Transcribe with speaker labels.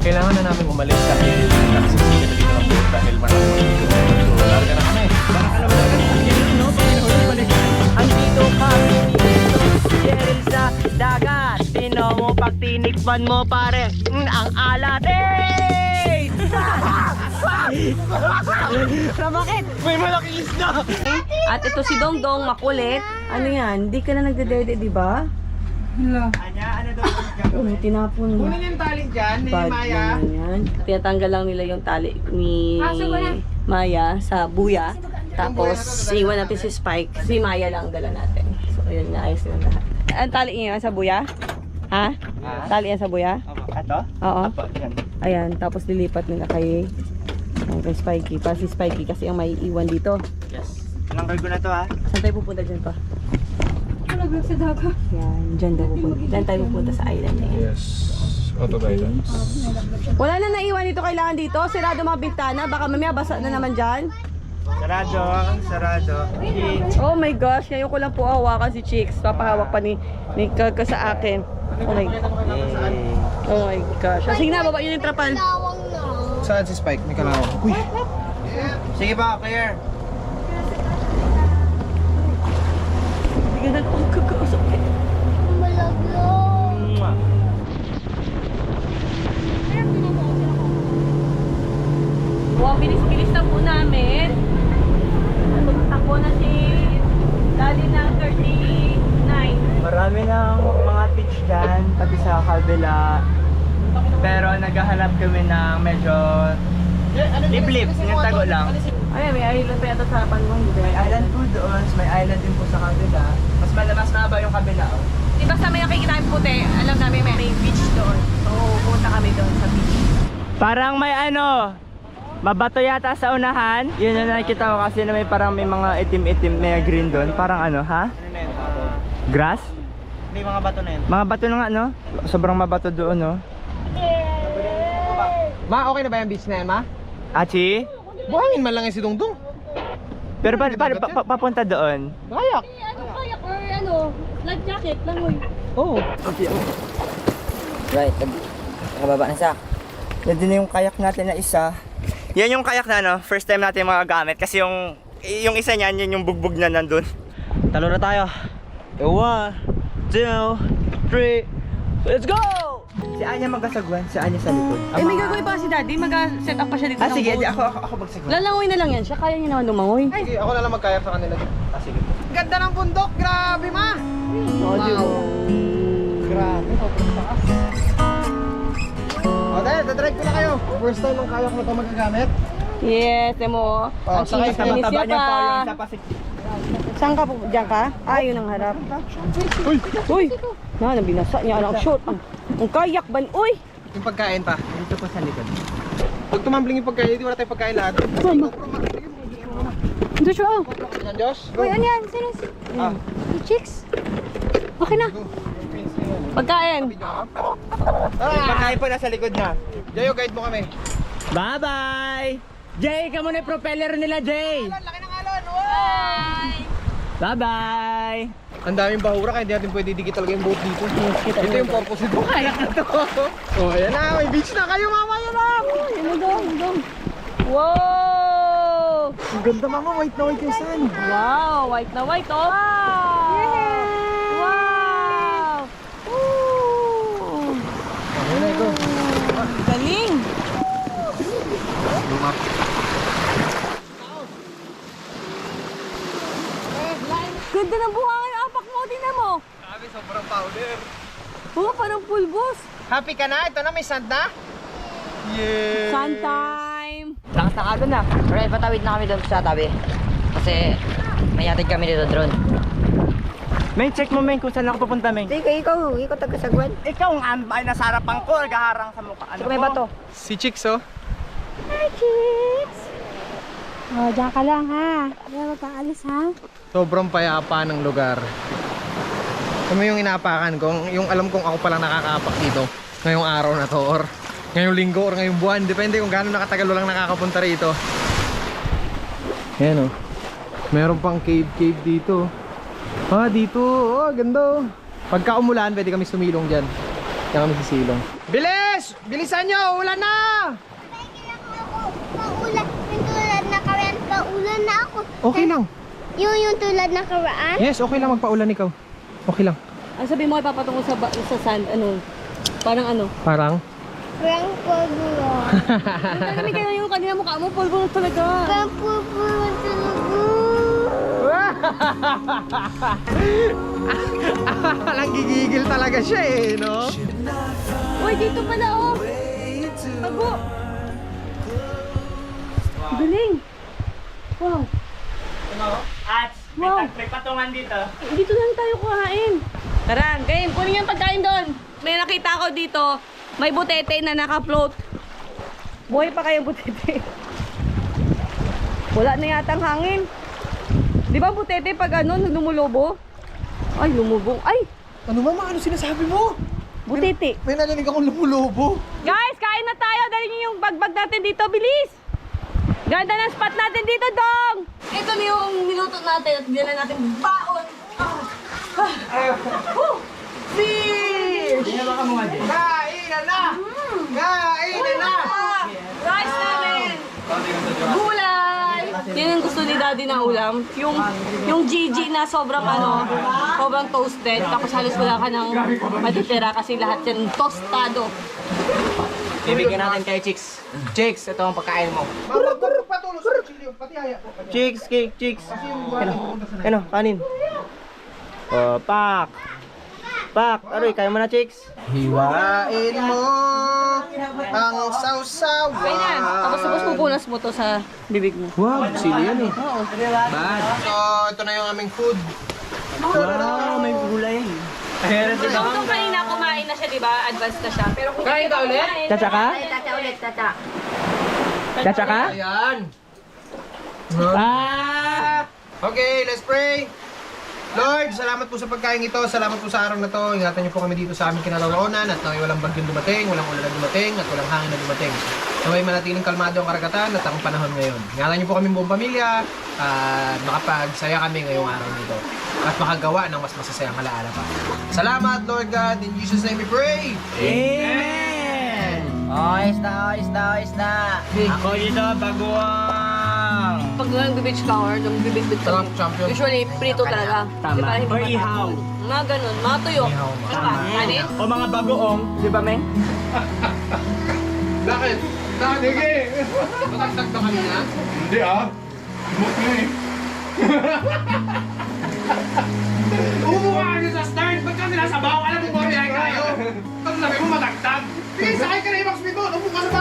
Speaker 1: kailangan na namin umalis dahil nagsisingit na dito ng boat dahil maraming dito. So, larga na kami. Para ka naman agad no? Pag balik.
Speaker 2: Andito kami dito, Jeril sa dagat. Tino mo pag tinikman mo pare, ang alat. Hey!
Speaker 3: Bakit?
Speaker 1: May malaking isda!
Speaker 3: At ito si Dongdong, makulit. Ano yan? Hindi ka na nagdedede, di ba?
Speaker 2: Anya, ano daw
Speaker 3: Oh, tinapon mo.
Speaker 2: kunin yung tali dyan ni
Speaker 3: Bad
Speaker 2: Maya.
Speaker 3: naman yan. Tinatanggal lang nila yung tali ni Maya sa buya. Tapos, iwan natin si Spike. Si Maya lang dala natin. So, ayun, naayos na lahat. Ang tali niya sa buya? Ha? Tali yan sa buya?
Speaker 2: Ato?
Speaker 3: Oo.
Speaker 2: Apo, yan.
Speaker 3: Ayan, tapos lilipat nila kay Spikey. Para si Spikey kasi ang may iwan dito.
Speaker 2: Yes. Anong cargo na to ha?
Speaker 3: Saan tayo pupunta dyan pa?
Speaker 4: Sa dagat.
Speaker 3: Yan, dyan daw pupunta. Dyan tayo pupunta sa island na yan.
Speaker 1: Yes. Auto guidance.
Speaker 3: Wala na naiwan dito kailangan dito. Sirado mga bintana. Baka mamaya basa na naman dyan.
Speaker 2: Sarado, sarado.
Speaker 3: Oh my gosh, ngayon ko lang po hawakan si Chicks. Papahawak pa ni Kaka sa akin. Oh my gosh. Sige na, baba yun yung trapal.
Speaker 1: Saan si Spike? May kalawang. Uy!
Speaker 2: Sige ba, clear?
Speaker 3: Sige na, oh kakausap eh. Wow, bilis-bilis na po namin. Takbo na si Daddy ng 39.
Speaker 2: Marami ng mga beach dyan, pati sa kabila. Pero naghahanap kami ng medyo liblib, yung tago lang.
Speaker 3: Ay, may island pa yata sa harapan mo.
Speaker 2: May island po doon, may island din po sa kabila. Mas mahaba yung kabila. Oh.
Speaker 3: Di ba sa may nakikita yung puti, alam namin may beach doon. So, punta kami doon sa beach.
Speaker 2: Parang may ano, mabato yata sa unahan. Yun yung nakikita ko kasi na may parang may mga itim-itim, may green doon. Parang ano, ha? Grass?
Speaker 5: Hindi, mga bato na yun.
Speaker 2: Mga bato na nga, no? Sobrang mabato doon, no?
Speaker 5: Ma, okay na ba yung beach na yan, ma?
Speaker 2: Achi?
Speaker 5: Buhangin man lang yung si Dongdong.
Speaker 2: Pero papunta doon?
Speaker 5: Kayak.
Speaker 4: Kayak or ano, life jacket lang mo.
Speaker 5: Oo.
Speaker 2: Right, nakababa na siya. Yan din yung kayak natin na isa. Yan yung kayak na no, first time natin magagamit kasi yung isa niyan, yun yung bugbog na nandun. Talo na tayo. 1, 2, 3, let's go! Si Anya magasagwan, si Anya sa likod.
Speaker 3: Eh, may gagawin pa si Daddy. Mag-set up pa siya dito ng
Speaker 2: Sige,
Speaker 3: boat.
Speaker 2: ako magsagwan.
Speaker 3: Lalangoy na lang yan siya. Kaya niya naman lumangoy.
Speaker 5: Sige, ako na lang magkayak sa kanila. Sige. Ganda ng bundok, grabe, ma!
Speaker 3: Wow.
Speaker 5: Grabe, sobrang taas. O, dahil, dadrive ko na kayo. First time ang kayak na ito magagamit.
Speaker 3: Yes, mo.
Speaker 5: Oh,
Speaker 3: Ang
Speaker 5: sakay ka,
Speaker 3: kinis
Speaker 2: Mataba
Speaker 3: niya
Speaker 2: niya pa yung
Speaker 3: pa.
Speaker 2: isa pa si...
Speaker 3: Saan ka po? Diyan ka? Ah, yun ang harap. Uy! Uy! Na, nabinasa niya. Anak, short. Ang kayak ban. Uy!
Speaker 5: Yung pagkain pa.
Speaker 2: Dito po sa likod.
Speaker 5: Pag tumambling yung pagkain, di wala tayong pagkain lahat.
Speaker 4: Joshua,
Speaker 5: Yan, Diyos.
Speaker 4: uy, ano yan? Sino si...
Speaker 5: Ah.
Speaker 4: Si Chicks? Okay na.
Speaker 3: Pagkain.
Speaker 2: Pagkain po nasa likod na.
Speaker 5: Jayo, guide mo kami.
Speaker 2: Bye-bye! Jay, ka muna yung propeller nila, Jay!
Speaker 5: Laki ng alon, wow!
Speaker 2: Bye-bye!
Speaker 5: Ang daming bahura kaya hindi natin pwede dikit talaga yung boat dito. Ito yung purpose nito. Kayak na to. Oh, ayan na. May beach na kayo, mama. Yan na.
Speaker 3: Wow!
Speaker 5: Ang ganda, mama. White na white yung sun.
Speaker 3: Wow! White na white, oh! Wow! Woo!
Speaker 5: Ayan na ito.
Speaker 3: Galing! Ganda ng buhangin. Apak mo, tingnan mo.
Speaker 5: Grabe, sobrang powder.
Speaker 3: Oh, parang pulbos.
Speaker 5: Happy ka na? Ito na, may sand na? Yeah!
Speaker 3: Sun time!
Speaker 2: Lakas ng alon na.
Speaker 6: Alright, patawid na kami doon sa tabi. Kasi may hatid kami dito drone.
Speaker 2: Meng, check mo, Meng, kung saan ako pupunta, Meng.
Speaker 6: Ikaw taga-sagwan.
Speaker 2: Ikaw ang ambay na sa harapan ko, naghaharang sa mukha.
Speaker 6: Saka may bato.
Speaker 5: Si Chicks, oh.
Speaker 4: Hi, Chicks! Oh, diyan ka lang ha. Hindi na magkaalis ha.
Speaker 5: Sobrang payapa ng lugar. Ano yung inaapakan ko? Yung alam kong ako palang nakakaapak dito. Ngayong araw na to or ngayong linggo or ngayong buwan. Depende kung gaano nakatagal lang nakakapunta rito. Ayan, oh. Meron pang cave dito. Ah, dito. Oh, ganda, oh. Pagka umulan, pwede kami sumilong dyan. Kaya kami sisilong. Bilis! Yes! Bilisan nyo! Ulan na!
Speaker 7: Paulan, yung tulad na karaan, paulan na ako.
Speaker 5: Okay lang.
Speaker 7: Yung tulad na karaan?
Speaker 5: Yes, okay lang magpaulan ikaw. Okay lang.
Speaker 3: Ang sabi mo ay papatungo sa, sa sand, ano, parang ano.
Speaker 5: Parang?
Speaker 7: Parang pulbulo.
Speaker 3: Kami kayo yung kanina mukha mo, polvo talaga.
Speaker 7: Parang pulbulo talaga.
Speaker 5: Alang gigigil talaga siya eh, no?
Speaker 3: Uy, dito pala oh. Bago. Galing. Wow.
Speaker 2: At
Speaker 3: Wow.
Speaker 2: may patungan dito.
Speaker 3: Dito lang tayo kuhain. Tara, game. Kunin yung pagkain doon. May nakita ko dito. May butete na naka-float. Buhay pa kayo butete. Wala na yatang hangin. Di ba butete pag ano, lumulubo? Ay, lumubong. Ay,
Speaker 5: Ano mama, ano sinasabi mo?
Speaker 3: butete.
Speaker 5: May narinig akong lumulubo.
Speaker 3: Guys, kain na tayo. Dali niyo yung bagbag natin dito. Bilis! Ganda ng spot natin dito, Dong! Ito na yung niluto natin at dinala natin baon. Fish!
Speaker 2: Baka mo nga din.
Speaker 5: Kainan na! Kainan na!
Speaker 3: Rice namin! Gulay! Yan yung gusto ni Daddy na ulam. Yung Gigi na sobrang ano, sobrang toasted. Tapos halos wala ka ng matitira kasi lahat yan tostado.
Speaker 2: Bibigyan natin kay Chicks. Chicks, ito ang pagkain mo.
Speaker 5: Mama, patulo sa kutsilyo. Pati haya po.
Speaker 2: Chicks, cake, Chicks.
Speaker 5: Kasi yung wala pupunta sa
Speaker 2: Ano, kanin. Oh, pak. Pak, aroy, kaya mo na, Chicks.
Speaker 5: Hiwain mo ang sausawa.
Speaker 3: Kaya na, tapos pupunas mo to sa bibig mo.
Speaker 5: Wow, sili yan eh.
Speaker 3: Oo.
Speaker 2: Bad.
Speaker 5: So, ito na yung aming food.
Speaker 2: Wow, may gulay. Ayan,
Speaker 3: So, nung kanina kumain na siya, di ba? Advance na siya. Pero kung
Speaker 5: Kain ka ulit?
Speaker 2: Chacha ka?
Speaker 3: Tata ulit, tata.
Speaker 2: Chacha ka?
Speaker 5: Ayan.
Speaker 2: Ah!
Speaker 5: Okay, let's pray. Lord, salamat po sa pagkain ito. Salamat po sa araw na to. Ingatan niyo po kami dito sa aming kinaroroonan at naway walang bagyong dumating, walang ulan na dumating, at walang hangin na dumating. Naway manatiling kalmado ang karagatan at ang panahon ngayon. Ingatan niyo po kami buong pamilya at makapagsaya kami ngayong araw nito at makagawa ng mas masasayang alaala pa. Salamat, Lord God. In Jesus' name we pray.
Speaker 2: Amen!
Speaker 6: Ayos na.
Speaker 2: Ako dito, baguang!
Speaker 3: Pag nag-beach flower, nag-bibig-big
Speaker 5: Sarap, champion.
Speaker 3: Usually, prito talaga.
Speaker 2: Tama.
Speaker 3: Di ba? Hindi
Speaker 2: Or
Speaker 3: pa-
Speaker 2: ihaw.
Speaker 3: Mga ganun, mga tuyo.
Speaker 5: Ihaw,
Speaker 3: Ano ba? Kanin?
Speaker 2: O mga bagoong, di ba, Meng?
Speaker 5: Bakit? Sige! Matagtag na kanina?
Speaker 1: Hindi ah. Smooth na eh.
Speaker 5: Umuha ka sa start! Ba't kami nasa bawa? Alam mo ba kaya kayo? Tapos sabi mo matagtag? Sige, sakay ka na yung Max Mito! Upo ka sa